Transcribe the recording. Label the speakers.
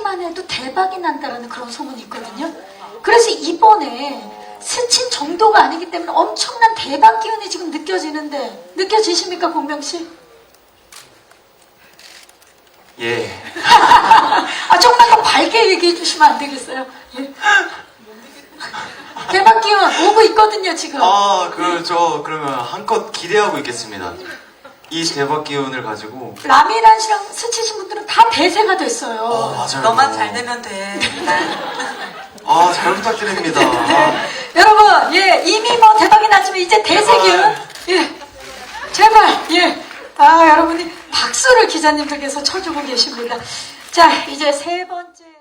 Speaker 1: 듣기만 해도 대박이 난다라는 그런 소문이 있거든요. 그래서 이번에 스친 정도가 아니기 때문에 엄청난 대박 기운이 지금 느껴지는데 느껴지십니까, 공명씨?
Speaker 2: 예.
Speaker 1: 아, 조금만 더 밝게 얘기해 주시면 안 되겠어요? 예. 대박 기운 오고 있거든요, 지금.
Speaker 2: 그러면 한껏 기대하고 있겠습니다. 이 대박 기운을 가지고.
Speaker 1: 라미란 씨랑 스치신 분들은 다 대세가 됐어요.
Speaker 2: 맞아요.
Speaker 3: 너만 잘 되면 돼.
Speaker 2: 잘 부탁드립니다.
Speaker 1: 여러분, 예, 이미 뭐 대박이 났지만 이제 대세 기운. 예. 제발, 예. 여러분이 박수를 기자님들께서 쳐주고 계십니다. 자, 이제 세 번째.